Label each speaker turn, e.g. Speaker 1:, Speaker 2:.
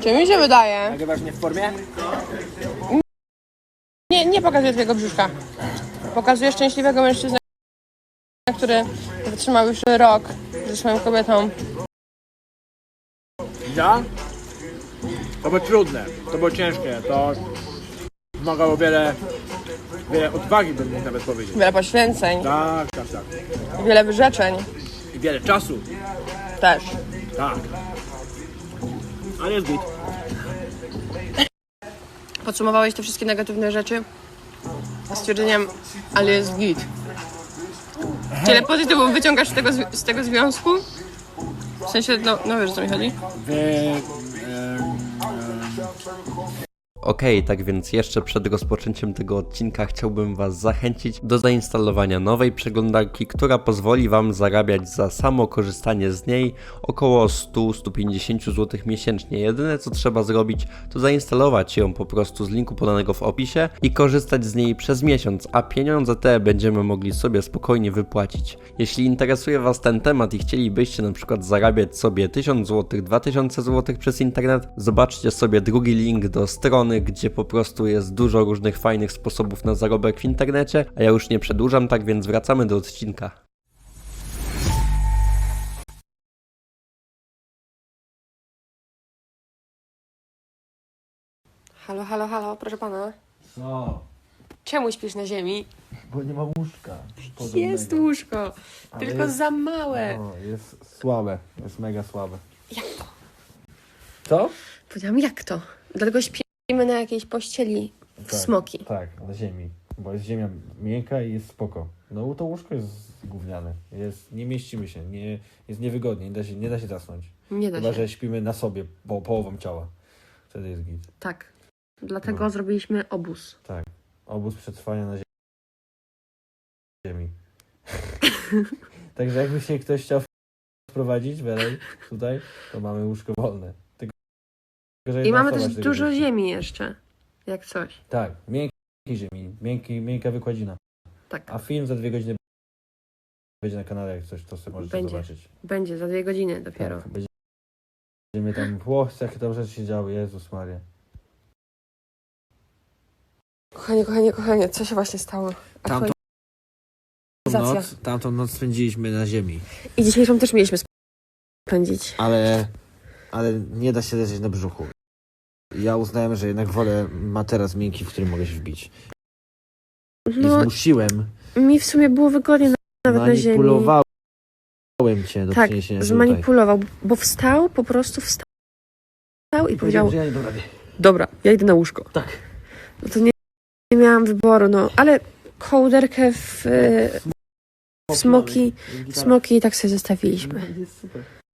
Speaker 1: Czy mi się wydaje?
Speaker 2: Nagrywasz mnie w formie?
Speaker 1: Nie pokazuję twojego brzuszka. Pokazuję szczęśliwego mężczyznę, który wytrzymał już rok ze swoją kobietą.
Speaker 2: Ja? To było trudne, to było ciężkie, to wymagało wiele odwagi, bym mógł nawet powiedzieć.
Speaker 1: Wiele poświęceń,
Speaker 2: Tak.
Speaker 1: wiele wyrzeczeń
Speaker 2: I wiele czasu.
Speaker 1: też.
Speaker 2: Tak. Ale jest git.
Speaker 1: Podsumowałeś te wszystkie negatywne rzeczy stwierdzeniem, ale jest git. Wiele pozytywów wyciągasz z tego związku? W sensie, no wiesz, o co mi chodzi?
Speaker 3: Okej, tak więc jeszcze przed rozpoczęciem tego odcinka chciałbym Was zachęcić do zainstalowania nowej przeglądarki, która pozwoli Wam zarabiać za samo korzystanie z niej około 100-150 zł miesięcznie. Jedyne co trzeba zrobić to zainstalować ją po prostu z linku podanego w opisie i korzystać z niej przez miesiąc, a pieniądze te będziemy mogli sobie spokojnie wypłacić. Jeśli interesuje Was ten temat i chcielibyście na przykład zarabiać sobie 1000 zł, 2000 zł przez internet, zobaczcie sobie drugi link do strony, gdzie po prostu jest dużo różnych fajnych sposobów na zarobek w internecie, a ja już nie przedłużam, tak więc wracamy do odcinka.
Speaker 1: Halo, proszę pana.
Speaker 4: No,
Speaker 1: Czemu śpisz na ziemi?
Speaker 4: bo nie ma łóżka.
Speaker 1: Jest łóżko,
Speaker 4: Ale
Speaker 1: tylko
Speaker 4: jest-
Speaker 1: za małe.
Speaker 4: No, jest słabe, jest mega słabe.
Speaker 1: Jak to?
Speaker 4: Co?
Speaker 1: Powiedziałam, jak to? Dlatego śpimy na jakiejś pościeli w smoki.
Speaker 4: Tak, na ziemi, bo jest ziemia miękka i jest spoko. No to łóżko jest gówniane, nie mieścimy się, jest niewygodnie, nie da się zasnąć.
Speaker 1: Nie da
Speaker 4: Chyba,
Speaker 1: się.
Speaker 4: że śpimy na sobie, połową ciała. Wtedy jest git.
Speaker 1: Tak. Dlatego
Speaker 4: No.
Speaker 1: zrobiliśmy obóz.
Speaker 4: Tak, obóz przetrwania na ziemi. Także jakby się ktoś chciał wprowadzić tutaj, to mamy łóżko wolne. Tylko, że
Speaker 1: I
Speaker 4: jedna
Speaker 1: mamy
Speaker 4: osoba
Speaker 1: też
Speaker 4: się tego
Speaker 1: dużo
Speaker 4: mieści.
Speaker 1: ziemi jeszcze. Jak coś.
Speaker 4: Tak, miękkiej ziemi, miękka wykładzina.
Speaker 1: Tak.
Speaker 4: A film za 2 godziny będzie na kanale, jak coś, to sobie możecie
Speaker 1: Będzie.
Speaker 4: zobaczyć.
Speaker 1: Będzie za 2 godziny dopiero.
Speaker 4: Tak, będziemy tam, jakie tam rzeczy się działy, Jezus Maria.
Speaker 1: Kochanie, co się właśnie stało? Aktualizacja.
Speaker 4: Tamtą noc spędziliśmy na ziemi,
Speaker 1: I dzisiejszą też mieliśmy spędzić.
Speaker 4: ale nie da się leżeć na brzuchu. Ja uznałem, że jednak wolę materac miękki, w którym mogę się wbić. I
Speaker 1: No,
Speaker 4: zmusiłem,
Speaker 1: mi w sumie było wygodnie nawet na ziemi.
Speaker 4: manipulowałem cię do
Speaker 1: Tak,
Speaker 4: przyniesienia
Speaker 1: zmanipulował, bo po prostu wstał i powiedział,
Speaker 4: że ja nie dam rady.
Speaker 1: dobra, ja idę na łóżko.
Speaker 4: Tak.
Speaker 1: No to nie miałam wyboru, no, ale kołderkę w smoki i tak sobie zostawiliśmy.
Speaker 4: Jest super.